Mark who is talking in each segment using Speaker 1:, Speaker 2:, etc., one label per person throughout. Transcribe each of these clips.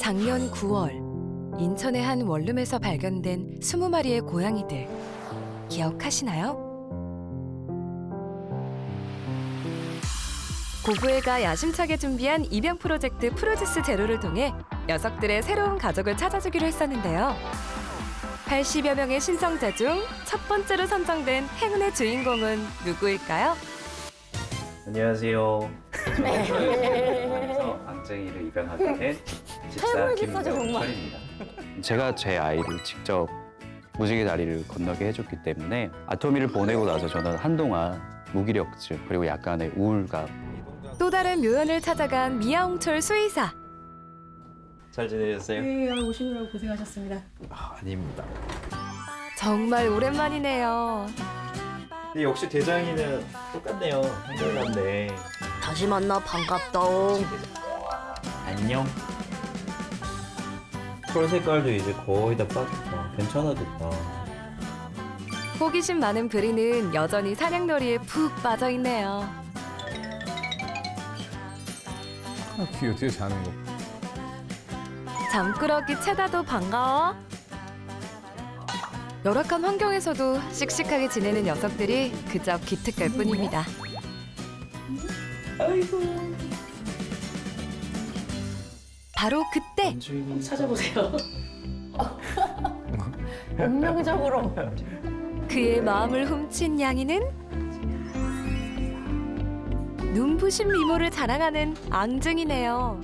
Speaker 1: 작년 9월 인천의 한 원룸에서 발견된 20마리의 고양이들 기억하시나요? 고부회가 야심차게 준비한 입양 프로젝트 프로듀스 제로를 통해 녀석들의 새로운 가족을 찾아주기로 했었는데요. 80여 명의 신청자 중 첫 번째로 선정된 행운의 주인공은 누구일까요?
Speaker 2: 안녕하세요. 그래서 앙증이를 입양하게 된 집사 김명철입니다. 제가 제 아이를 직접 무지개 다리를 건너게 해줬기 때문에 아토미를 보내고 나서 저는 한동안 무기력증 그리고 약간의 우울감.
Speaker 1: 또 다른 묘연을 찾아간 미아홍철 수의사.
Speaker 2: 잘 지내셨어요?
Speaker 3: 네, 오시느라고 고생하셨습니다.
Speaker 2: 아닙니다.
Speaker 1: 정말 오랜만이네요.
Speaker 2: 근데 역시 대장이는 똑같네요. 한결같네.
Speaker 3: 다시 만나 반갑다.
Speaker 2: 안녕. 털 색깔도 이제 거의 다 빠졌다. 괜찮아졌다.
Speaker 1: 호기심 많은 브리는 여전히 사냥놀이에 푹 빠져 있네요.
Speaker 4: 귀 어떻게 자는 거?
Speaker 1: 잠꾸러기 채다도 반가워. 열악한 환경에서도 씩씩하게 지내는 녀석들이 그저 기특할 뿐입니다. 바로 그때
Speaker 3: 찾아보세요. 운명적으로.
Speaker 1: 그의 마음을 훔친 양이는 눈부신 미모를 자랑하는 앙증이네요.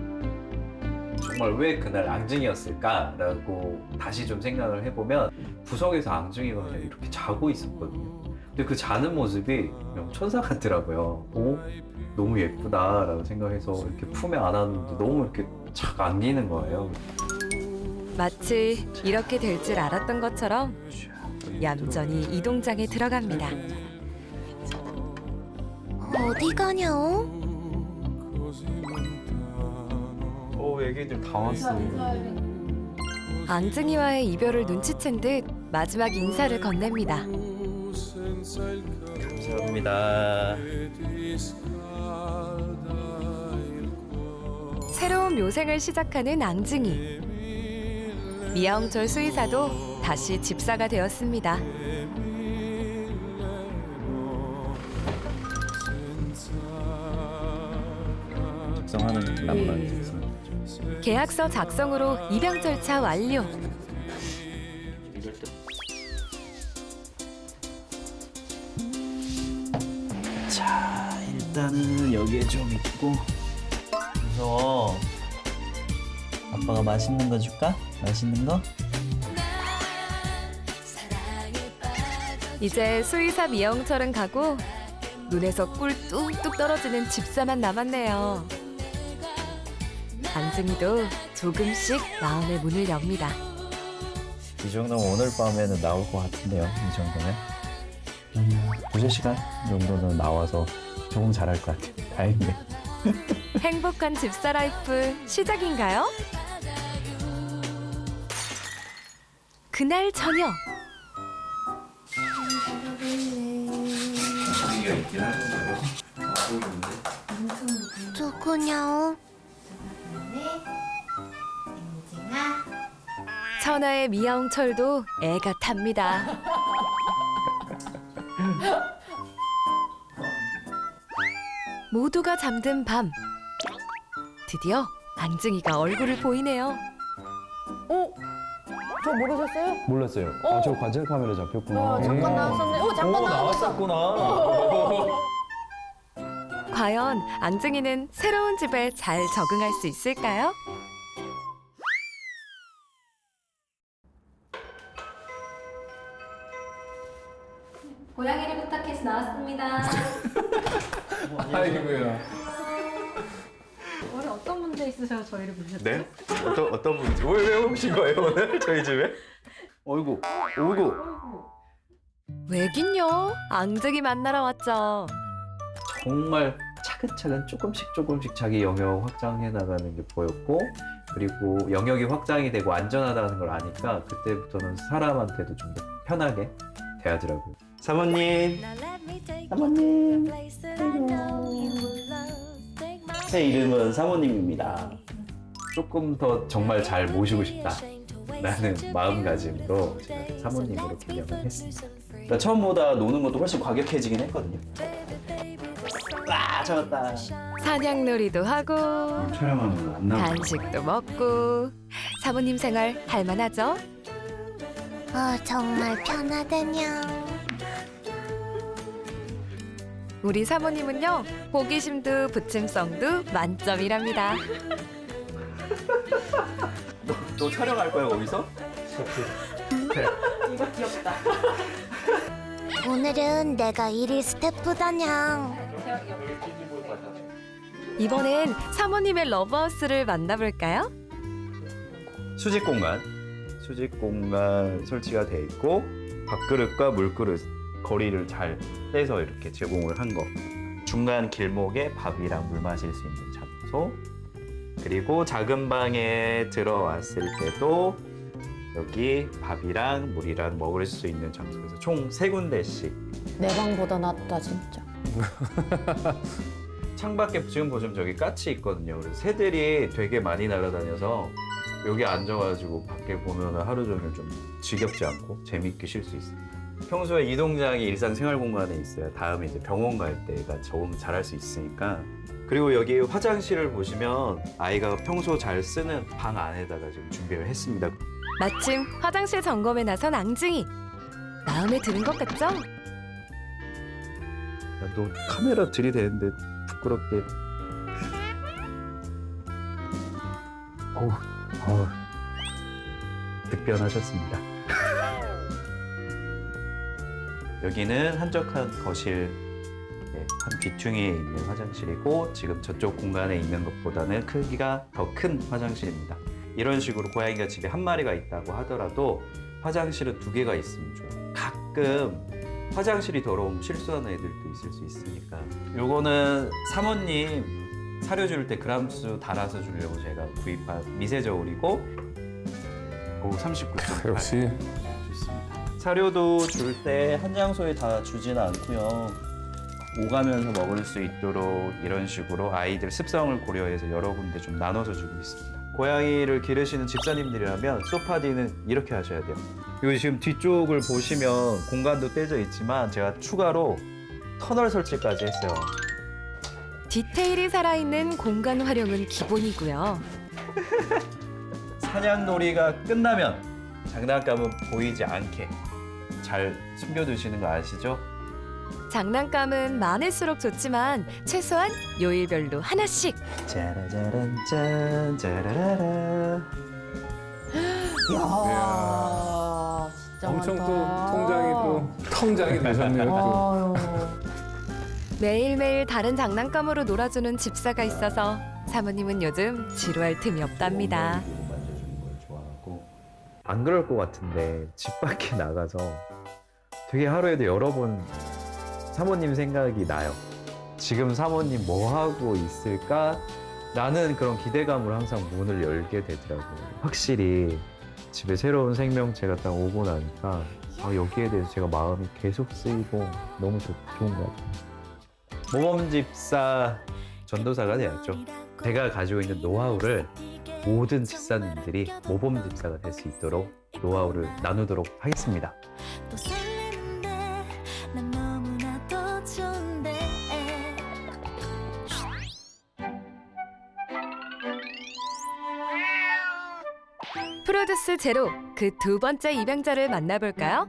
Speaker 2: 정말 왜 그날 앙증이었을까라고 다시 좀 생각을 해보면 구석에서 앙증이가 그냥 이렇게 자고 있었거든요. 근데 그 자는 모습이 그냥 천사 같더라고요. 오, 너무 예쁘다라고 생각해서 이렇게 품에 안았는데 너무 이렇게 착 안기는 거예요.
Speaker 1: 마치 이렇게 될 줄 알았던 것처럼 얌전히 이동장에 들어갑니다.
Speaker 5: 어디 가냐?
Speaker 2: 애기들 다 왔어.
Speaker 1: 앙증이와의 이별을 눈치챈 듯 마지막 인사를 건넵니다.
Speaker 2: 감사합니다.
Speaker 1: 새로운 묘생을 시작하는 앙증이. 미아홍철 수의사도 다시 집사가 되었습니다.
Speaker 2: 작성하는 낭만.
Speaker 1: 계약서 작성으로 입양 절차 완료.
Speaker 2: 자, 일단은 여기에 좀 있고. 무서워. 아빠가 맛있는 거 줄까? 맛있는 거?
Speaker 1: 이제 수의사 미아홍철은 가고 눈에서 꿀 뚝뚝 떨어지는 집사만 남았네요. 앙증이도 조금씩 마음의 문을 엽니다.
Speaker 2: 이 정도면 오늘 밤에는 나올 것 같은데요. 이 정도면. 2-3시간 정도는 나와서 조금 잘할 것 같아요. 다행이네.
Speaker 1: 행복한 집사 라이프 시작인가요? 그날 저녁.
Speaker 5: 누구냐?
Speaker 1: 천하의 미아홍철도 애가 탑니다. 모두가 잠든 밤. 드디어 앙증이가 얼굴을 보이네요.
Speaker 3: 저 모르셨어요?
Speaker 4: 몰랐어요. 아, 저 관찰 카메라 잡혔구나.
Speaker 3: 와, 잠깐 나왔었네. 잠깐 나왔었어.
Speaker 1: 과연 앙증이는 새로운 집에 잘 적응할 수 있을까요? 고양이를 부탁해서 나왔습니다.
Speaker 4: 아이고야.
Speaker 3: 오늘 어떤 문제 있으셔서 저희를 부르셨죠?
Speaker 6: 네? 어떤 분인지 왜 오신 거예요 오늘 저희 집에?
Speaker 2: 어이구, 어이구.
Speaker 1: 왜긴요? 앙증이 만나러 왔죠.
Speaker 2: 정말 차근차근 조금씩 자기 영역 확장해 나가는 게 보였고, 그리고 영역이 확장이 되고 안전하다는 걸 아니까 그때부터는 사람한테도 좀 더 편하게 대하더라고요.
Speaker 6: 사모님, 사모님. 제 이름은 사모님입니다.
Speaker 2: 조금 더 정말 잘 모시고 싶다 라는 마음가짐으로 제가 사모님으로 개명을 했습니다.
Speaker 6: 그러니까 처음보다 노는 것도 훨씬 과격해지긴 했거든요. 와, 잡았다.
Speaker 1: 사냥놀이도 하고
Speaker 2: 촬영하면 안 나오고
Speaker 1: 간식도 먹고 사모님 생활 할만하죠?
Speaker 5: 정말 편하다냥.
Speaker 1: 우리 사모님은요 호기심도 부침성도 만점이랍니다.
Speaker 6: 또 촬영할 거야 거기서?
Speaker 5: 오늘은 내가 일일 스태프다냥.
Speaker 1: 이번엔 사모님의 러브하우스를 만나볼까요?
Speaker 6: 수직 공간 설치가 돼 있고 밥그릇과 물그릇 거리를 잘 떼서 이렇게 제공을 한 거. 중간 길목에 밥이랑 물 마실 수 있는 장소. 그리고 작은 방에 들어왔을 때도 여기 밥이랑 물이랑 먹을 수 있는 장소에서 총 3군데씩.
Speaker 3: 내 방보다 낫다 진짜.
Speaker 6: 창밖에 지금 보시면 저기 까치 있거든요. 그래서 새들이 되게 많이 날아다녀서 여기 앉아가지고 밖에 보면 하루 종일 좀 지겹지 않고 재밌게 쉴 수 있습니다. 평소에 이 동작이 일상생활 공간에 있어야 다음에 이제 병원 갈 때가 적응 잘할 수 있으니까. 그리고 여기 화장실을 보시면 아이가 평소 잘 쓰는 방 안에다가 지금 준비를 했습니다.
Speaker 1: 마침 화장실 점검에 나선 앙증이. 마음에 드는 것 같죠?
Speaker 6: 야, 너 카메라 들이대는데 부끄럽게. 득변하셨습니다. 여기는 한적한 거실, 한 뒤퉁이에 있는 화장실이고 지금 저쪽 공간에 있는 것보다는 크기가 더 큰 화장실입니다. 이런 식으로 고양이가 집에 한 마리가 있다고 하더라도 화장실은 2개가 있으면 좋아요. 가끔 화장실이 더러우면 실수하는 애들도 있을 수 있으니까. 요거는 사모님 사료 줄 때 그람수 달아서 주려고 제가 구입한 미세 저울이고 39.8.
Speaker 4: 역시
Speaker 6: 좋습니다. 사료도 줄 때 한 장소에 다 주지는 않고요. 오가면서 먹을 수 있도록 이런 식으로 아이들 습성을 고려해서 여러 군데 좀 나눠서 주고 있습니다. 고양이를 기르시는 집사님들이라면 소파디는 이렇게 하셔야 돼요. 그리고 지금 뒤쪽을 보시면 공간도 떼져 있지만 제가 추가로 터널 설치까지 했어요.
Speaker 1: 디테일이 살아있는 공간 활용은 기본이고요.
Speaker 6: 사냥놀이가 끝나면 장난감은 보이지 않게 잘 숨겨두시는 거 아시죠?
Speaker 1: 장난감은 많을수록 좋지만 최소한 요일별로 하나씩.
Speaker 6: 짜라짜란 짠 짜라라라.
Speaker 3: 이야, 진짜
Speaker 4: 엄청
Speaker 3: 많다.
Speaker 4: 또 통장이 또 통장이 되셨네요. 또.
Speaker 3: 아유.
Speaker 1: 매일매일 다른 장난감으로 놀아주는 집사가 있어서 사모님은 요즘 지루할 틈이 없답니다.
Speaker 2: 만져주는 걸 좋아하고. 안 그럴 것 같은데 집 밖에 나가서 되게 하루에도 여러 번 사모님 생각이 나요. 지금 사모님 뭐 하고 있을까? 라는 그런 기대감으로 항상 문을 열게 되더라고요. 확실히 집에 새로운 생명체가 딱 오고 나니까 여기에 대해서 제가 마음이 계속 쓰이고 너무 좋은 것 같아요. 모범집사 전도사가 돼야죠. 제가 가지고 있는 노하우를 모든 집사님들이 모범집사가 될 수 있도록 노하우를 나누도록 하겠습니다.
Speaker 5: 또 설레는데 난 너무나도 좋은데.
Speaker 1: 프로듀스 제로 그 2번째 입양자를 만나볼까요?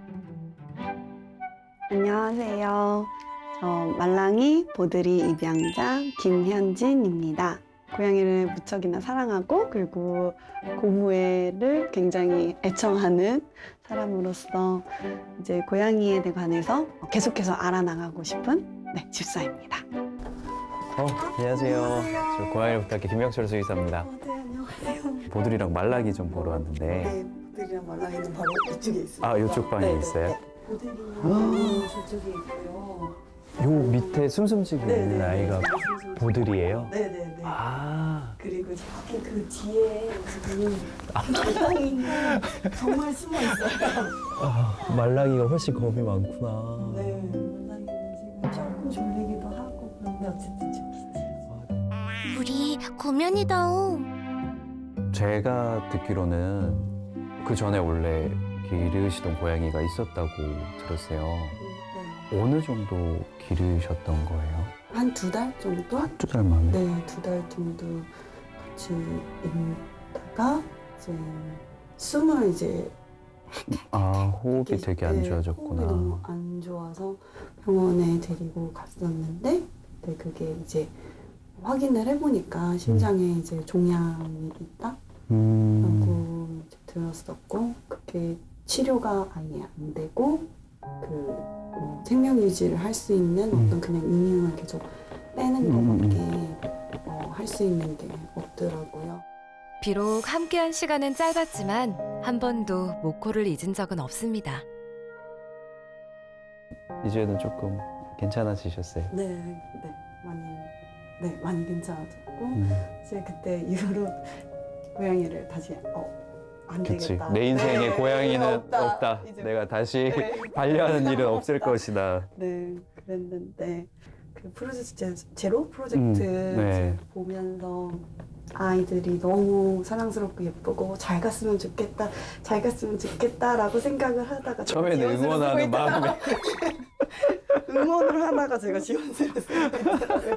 Speaker 7: 안녕하세요. 저 말랑이 보드리 입양자 김현진입니다. 고양이를 무척이나 사랑하고 그리고 고무애를 굉장히 애청하는 사람으로서 이제 고양이에 관해서 계속해서 알아나가고 싶은 집사입니다.
Speaker 6: 안녕하세요. 저 고양이를 부탁해 김영철 수의사입니다.
Speaker 7: 네, 안녕하세요.
Speaker 6: 보들이랑 말라기 좀 보러 왔는데.
Speaker 7: 네, 보드리랑 말랑이는 바로 이쪽에 있어요.
Speaker 6: 아, 이쪽 방에 있어요?
Speaker 7: 보드리는 저쪽에 있고요.
Speaker 6: 요 밑에 숨숨지고
Speaker 7: 네,
Speaker 6: 있는
Speaker 7: 네,
Speaker 6: 아이가
Speaker 7: 네.
Speaker 6: 보들이에요?
Speaker 7: 네네네.
Speaker 6: 아,
Speaker 7: 그리고 저기 그 뒤에 지금 말랑이는 정말 숨어 있어요.
Speaker 6: 말라기가 훨씬 겁이 많구나.
Speaker 7: 네, 말랑이는 지금 조금 졸리기도 하고 그런데 어쨌든 좀 있어요.
Speaker 5: 우리 고면이다옹.
Speaker 6: 제가 듣기로는 그 전에 원래 기르시던 고양이가 있었다고 들었어요.
Speaker 7: 네.
Speaker 6: 어느 정도 기르셨던 거예요?
Speaker 7: 한 2달 정도?
Speaker 6: 한두 달 만에?
Speaker 7: 네, 2달 정도 같이 있다가 이제 숨을 이제
Speaker 6: 아, 호흡이
Speaker 7: 이렇게,
Speaker 6: 되게 안
Speaker 7: 네,
Speaker 6: 좋아졌구나.
Speaker 7: 호흡이 너무 안 좋아서 병원에 데리고 갔었는데 네, 그게 이제 확인을 해보니까 심장에 이제 종양이 있다라고 이제 들었었고 그게 치료가 아예 안 되고 생명 유지를 할 수 있는 어떤 그냥 이뮨을 계속 빼는 것밖에 할 수 있는 게 없더라고요.
Speaker 1: 비록 함께한 시간은 짧았지만 한 번도 모코를 잊은 적은 없습니다.
Speaker 6: 이제는 조금 괜찮아지셨어요?
Speaker 7: 많이 괜찮아졌고 이제 그때 이후로 고양이를 다시 안
Speaker 6: 그치.
Speaker 7: 되겠다.
Speaker 6: 내 인생에
Speaker 7: 네,
Speaker 6: 고양이는
Speaker 7: 없다.
Speaker 6: 없다.
Speaker 7: 이제
Speaker 6: 내가 다시
Speaker 7: 네.
Speaker 6: 반려하는 일은 없을
Speaker 7: 없다.
Speaker 6: 것이다.
Speaker 7: 네, 그랬는데 그 프로젝트 제로 프로젝트
Speaker 6: 네.
Speaker 7: 이제 보면서 아이들이 너무 사랑스럽고 예쁘고 잘 갔으면 좋겠다, 잘 갔으면 좋겠다라고 생각을 하다가 제가
Speaker 6: 처음에는
Speaker 7: 지원서를
Speaker 6: 응원하는
Speaker 7: 쓰고 있다가
Speaker 6: 마음에
Speaker 7: 응원을 하다가 제가 지원서를 쓰고 있더라고요.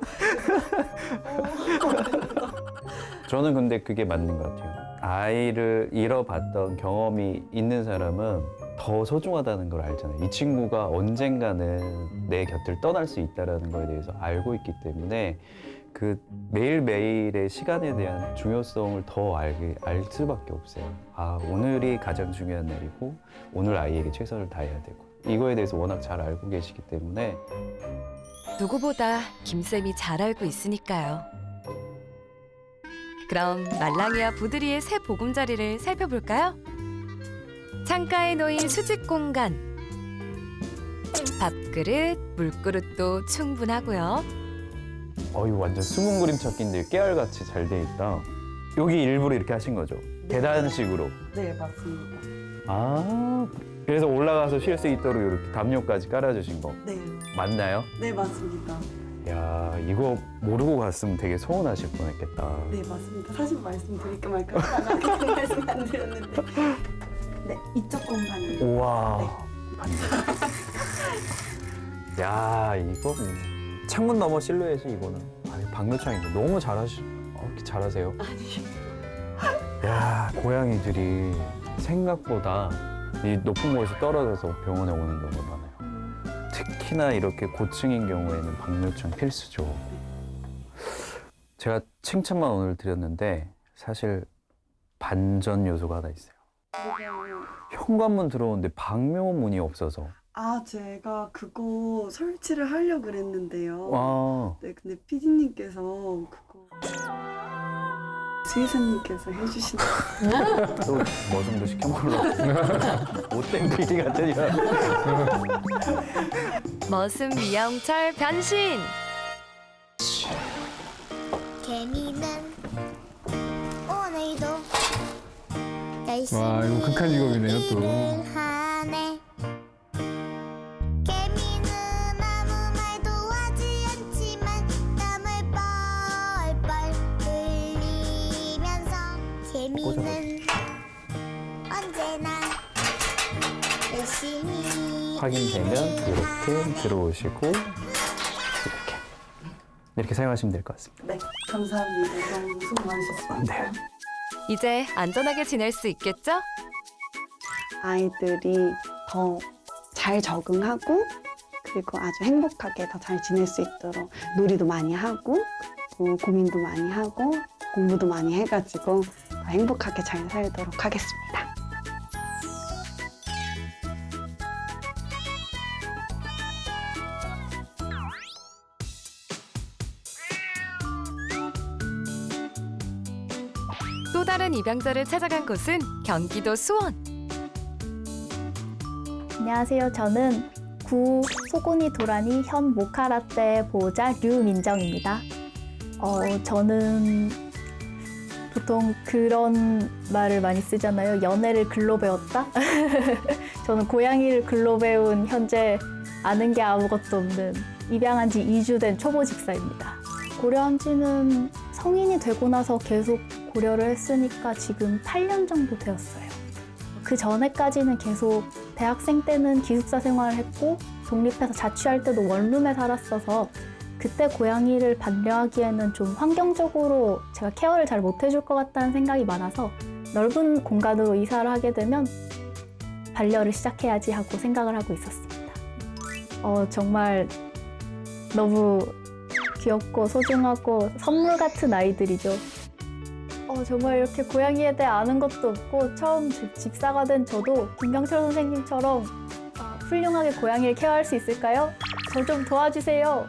Speaker 6: 저는 근데 그게 맞는 것 같아요. 아이를 잃어봤던 경험이 있는 사람은 더 소중하다는 걸 알잖아요. 이 친구가 언젠가는 내 곁을 떠날 수 있다는 거에 대해서 알고 있기 때문에 그 매일매일의 시간에 대한 중요성을 더 알 수밖에 없어요. 아, 오늘이 가장 중요한 날이고 오늘 아이에게 최선을 다해야 되고 이거에 대해서 워낙 잘 알고 계시기 때문에
Speaker 1: 누구보다 김쌤이 잘 알고 있으니까요. 그럼 말랑이와 부드리의 새 보금자리를 살펴볼까요? 창가에 놓인 수직 공간. 밥그릇, 물그릇도 충분하고요.
Speaker 6: 이거 완전 숨은 그림 찾기인데 깨알같이 잘 돼 있다. 여기 일부러 이렇게 하신 거죠? 계단식으로.
Speaker 7: 네, 맞습니다.
Speaker 6: 아, 그래서 올라가서 쉴 수 있도록 이렇게 담요까지 깔아주신 거
Speaker 7: 네,
Speaker 6: 맞나요?
Speaker 7: 네 맞습니다.
Speaker 6: 야, 이거 모르고 갔으면 되게 서운하실 뻔했겠다.
Speaker 7: 네 맞습니다. 사실 말씀드릴까 말까 하다가 말씀 안 드렸는데 네 이쪽 공간을
Speaker 6: 우와, 반대. 야, 이거 창문 너머 실루엣이 이거는. 아니, 박노창인데 너무 이렇게 잘하세요. 야, 고양이들이 생각보다 이 높은 곳에서 떨어져서 병원에 오는 경우가 많아요. 특히나 이렇게 고층인 경우에는 박노창 필수죠. 제가 칭찬만 오늘 드렸는데 사실 반전 요소가 하나 있어요. 현관문 들어오는데 방묘문이 없어서.
Speaker 7: 아 제가 그거 설치를 하려고 그랬는데요.
Speaker 6: 와,
Speaker 7: 네 근데 PD님께서 그거 수의사님께서 해주신다.
Speaker 6: 또 뭐 정도 시켜 먹으려고. 못된 PD 같으니.
Speaker 1: 머슴 미야홍철 변신!
Speaker 5: 개미는 오늘도 열심히
Speaker 4: 와, 이거 극한 직업이네요, 또.
Speaker 5: 일을 하네. 개미는 아무 말도 하지 않지만 땀을 뻘뻘 흘리면서 개미는 언제나 열심히
Speaker 6: 확인되면 이렇게 들어오시고 이렇게 사용하시면 될 것 같습니다.
Speaker 7: 네 감사합니다. 너무 수고 많으셨습니다.
Speaker 6: 네.
Speaker 1: 이제 안전하게 지낼 수 있겠죠?
Speaker 7: 아이들이 더 잘 적응하고 그리고 아주 행복하게 더 잘 지낼 수 있도록 놀이도 많이 하고 그리고 고민도 많이 하고 공부도 많이 해가지고 더 행복하게 잘 살도록 하겠습니다.
Speaker 1: 또 다른 입양자를 찾아간 곳은 경기도 수원.
Speaker 8: 안녕하세요. 저는 구 소고니 도라니 현 모카라떼 보호자 류민정입니다. 저는 보통 그런 말을 많이 쓰잖아요. 연애를 글로 배웠다? 저는 고양이를 글로 배운 현재 아는 게 아무것도 없는 입양한 지 2주 된 초보 집사입니다. 고려한 지는 성인이 되고 나서 계속 고려를 했으니까 지금 8년 정도 되었어요. 그 전에까지는 계속 대학생 때는 기숙사 생활을 했고 독립해서 자취할 때도 원룸에 살았어서 그때 고양이를 반려하기에는 좀 환경적으로 제가 케어를 잘 못해줄 것 같다는 생각이 많아서 넓은 공간으로 이사를 하게 되면 반려를 시작해야지 하고 생각을 하고 있었습니다. 정말 너무 귀엽고 소중하고 선물 같은 아이들이죠. 정말 이렇게 고양이에 대해 아는 것도 없고 처음 집사가 된 저도 김경철 선생님처럼 훌륭하게 고양이를 케어할 수 있을까요? 저 좀 도와주세요.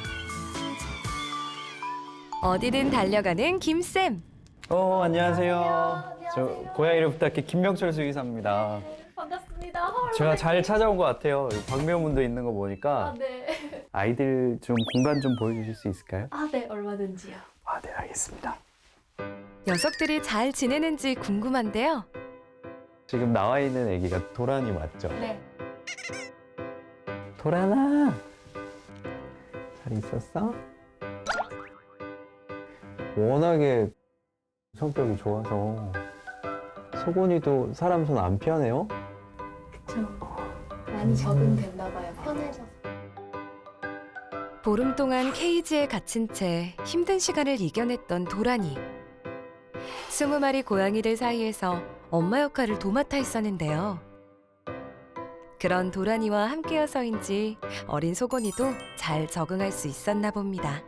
Speaker 1: 어디든 달려가는 김쌤.
Speaker 6: 안녕하세요. 저 고양이를 부탁해 김명철 수의사입니다.
Speaker 8: 반갑습니다.
Speaker 6: 제가 잘 찾아온 것 같아요. 광명문도 있는 거 보니까
Speaker 8: 네.
Speaker 6: 아이들 좀 공간 좀 보여주실 수 있을까요?
Speaker 8: 네, 얼마든지요.
Speaker 6: 네, 알겠습니다.
Speaker 1: 녀석들이 잘 지내는지 궁금한데요.
Speaker 6: 지금 나와 있는 애기가 도란이 맞죠?
Speaker 8: 네.
Speaker 6: 도란아, 잘 있었어? 워낙에 성격이 좋아서 소곤이도 사람 손 안 피하네요?
Speaker 8: 그쵸. 많이 적응됐나 봐요. 편해져서.
Speaker 1: 보름 동안 케이지에 갇힌 채 힘든 시간을 이겨냈던 도란이. 20마리 고양이들 사이에서 엄마 역할을 도맡아 있었는데요. 그런 도란이와 함께여서인지 어린 소곤이도 잘 적응할 수 있었나 봅니다.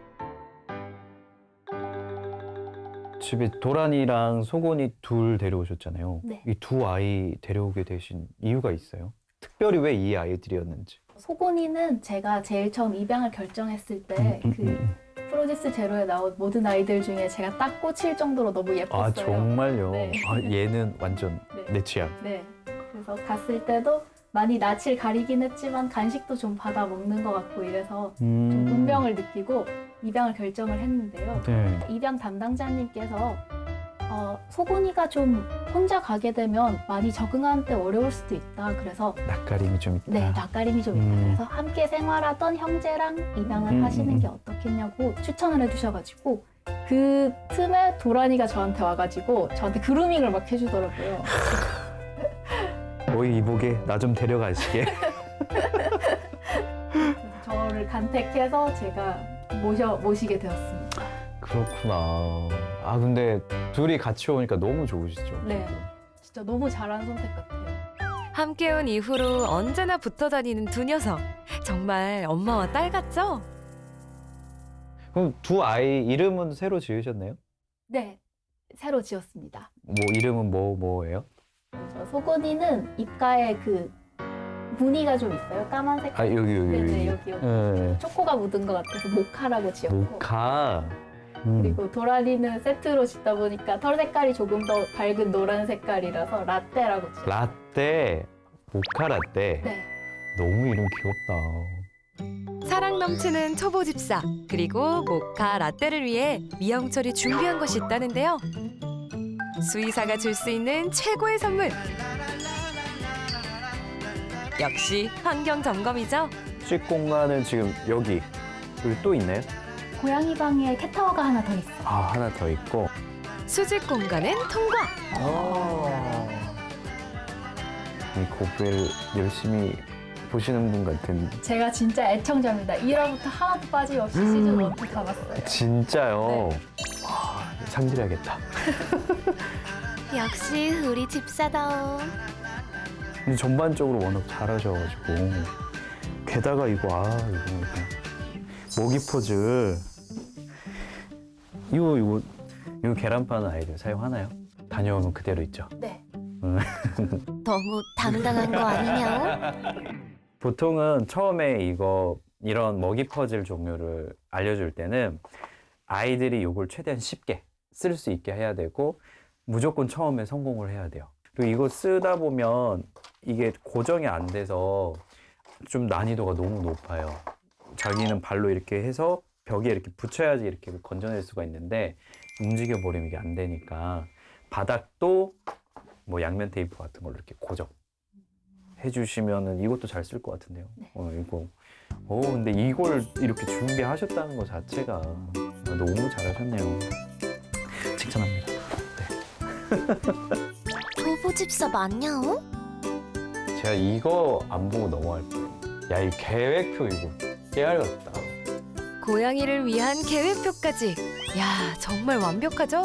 Speaker 6: 집에 도란이랑 소곤이 둘 데려오셨잖아요.
Speaker 8: 네.
Speaker 6: 이 두 아이 데려오게 되신 이유가 있어요? 특별히 왜 이 아이들이었는지.
Speaker 8: 소곤이는 제가 제일 처음 입양을 결정했을 때 프로듀스 제로에 나온 모든 아이들 중에 제가 딱 꽂힐 정도로 너무 예뻤어요.
Speaker 6: 아, 정말요?
Speaker 8: 네.
Speaker 6: 얘는 완전
Speaker 8: 네.
Speaker 6: 내 취향.
Speaker 8: 네. 그래서 갔을 때도 많이 낯을 가리긴 했지만 간식도 좀 받아 먹는 것 같고 이래서 좀 운명을 느끼고 입양을 결정을 했는데요.
Speaker 6: 네.
Speaker 8: 입양 담당자님께서 소곤이가 좀 혼자 가게 되면 많이 적응하는 데 어려울 수도 있다. 그래서
Speaker 6: 낯가림이 좀 있다.
Speaker 8: 네, 낯가림이 좀 있다. 그래서 함께 생활하던 형제랑 입양을 하시는 게 어떻겠냐고 추천을 해주셔가지고 그 틈에 도란이가 저한테 와가지고 저한테 그루밍을 막 해주더라고요.
Speaker 6: 너희 이복에 나 좀 데려가시게.
Speaker 8: 그래서 저를 간택해서 제가 모시게 되었습니다.
Speaker 6: 그렇구나. 아, 근데 둘이 같이 오니까 너무 좋으시죠?
Speaker 8: 네, 진짜 너무 잘한 선택 같아요.
Speaker 1: 함께 온 이후로 언제나 붙어 다니는 두 녀석. 정말 엄마와 딸 같죠?
Speaker 6: 그럼 두 아이 이름은 새로 지으셨나요?
Speaker 8: 네, 새로 지었습니다.
Speaker 6: 뭐 이름은 뭐예요?
Speaker 8: 그래서 소곤이는 입가에 그 무늬가 좀 있어요. 까만색.
Speaker 6: 아, 여기.
Speaker 8: 네네, 여기.
Speaker 6: 네.
Speaker 8: 초코가 묻은 것 같아서 모카라고 지었고.
Speaker 6: 모카.
Speaker 8: 그리고 도라리는 세트로 짓다 보니까 털 색깔이 조금 더 밝은 노란 색깔이라서 라떼라고 지었어요.
Speaker 6: 라떼, 모카 라떼.
Speaker 8: 네.
Speaker 6: 너무 이름 귀엽다.
Speaker 1: 사랑 넘치는 초보 집사 그리고 모카 라떼를 위해 미영철이 준비한 것이 있다는데요. 수의사가 줄 수 있는 최고의 선물. 역시 환경 점검이죠.
Speaker 6: 수직 공간은 지금 여기 또 있나요?
Speaker 8: 고양이 방에 캣타워가 하나 더 있어요.
Speaker 6: 아, 하나 더 있고.
Speaker 1: 수직 공간은 통과.
Speaker 6: 이 고프를 열심히 보시는 분 같은.
Speaker 8: 제가 진짜 애청자입니다. 1화부터 하나도 빠짐없이 시즌 1도 다 봤어요.
Speaker 6: 진짜요?
Speaker 8: 네.
Speaker 6: 와, 상질해야겠다.
Speaker 5: 역시 우리 집사다움.
Speaker 6: 근데 전반적으로 워낙 잘하셔가지고. 게다가 이거 모기 포즈. 이거 계란 파는 아이들 사용하나요? 다녀오면 그대로 있죠?
Speaker 8: 네.
Speaker 5: 너무 당당한 거 아니냐?
Speaker 6: 보통은 처음에 이런 먹이 퍼즐 종류를 알려줄 때는 아이들이 이걸 최대한 쉽게 쓸 수 있게 해야 되고 무조건 처음에 성공을 해야 돼요. 그리고 이거 쓰다 보면 이게 고정이 안 돼서 좀 난이도가 너무 높아요. 자기는 발로 이렇게 해서 벽에 이렇게 붙여야지 이렇게 건져낼 수가 있는데 움직여버리면 이게 안 되니까 바닥도 뭐 양면 테이프 같은 걸로 이렇게 고정 해주시면은 이것도 잘 쓸 것 같은데요.
Speaker 8: 네.
Speaker 6: 근데 이걸 이렇게 준비하셨다는 것 자체가 너무 잘하셨네요. 추천합니다.
Speaker 5: 부부 집사 맞냐오?
Speaker 9: 제가 이거 안 보고 넘어갈 거예요. 야, 이 계획표 이거 깨알같다.
Speaker 1: 고양이를 위한 계획표까지. 야, 정말 완벽하죠?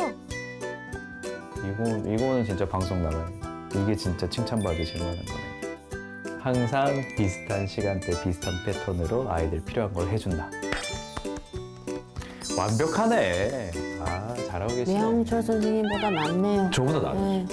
Speaker 9: 이거는 진짜 방송 나가요. 이게 진짜 칭찬받으실 만한 거네. 항상 비슷한 시간대, 비슷한 패턴으로 아이들 필요한 걸 해준다. 완벽하네. 아, 잘하고 계시네.
Speaker 3: 매형철 선생님보다 낫네요.
Speaker 9: 저보다 나아요.
Speaker 3: 네.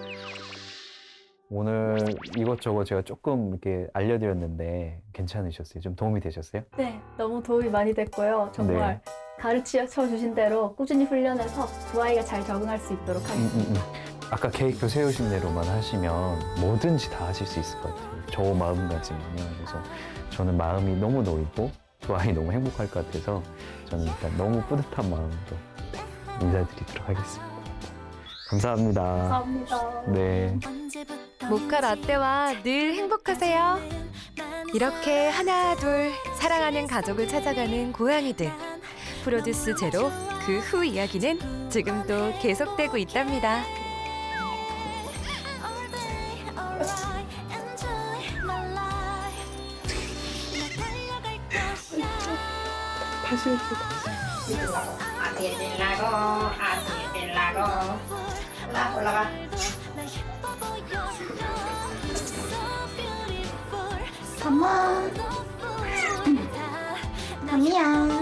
Speaker 9: 오늘 이것저것 제가 조금 이렇게 알려드렸는데 괜찮으셨어요? 좀 도움이 되셨어요?
Speaker 8: 네, 너무 도움이 많이 됐고요. 정말 가르쳐 주신 대로 꾸준히 훈련해서 두 아이가 잘 적응할 수 있도록 하겠습니다.
Speaker 9: 아까 계획표 세우신 대로만 하시면 뭐든지 다 하실 수 있을 것 같아요. 저 마음가짐은요. 그래서 저는 마음이 너무 놓이고 두 아이 너무 행복할 것 같아서 저는 일단 너무 뿌듯한 마음으로 인사드리도록 하겠습니다. 감사합니다.
Speaker 8: 감사합니다.
Speaker 9: 네.
Speaker 1: 모카 라떼와 늘 행복하세요. 이렇게 하나 둘 사랑하는 가족을 찾아가는 고양이들. 프로듀스 제로 그 후 이야기는 지금도 계속되고 있답니다.
Speaker 5: 담이야.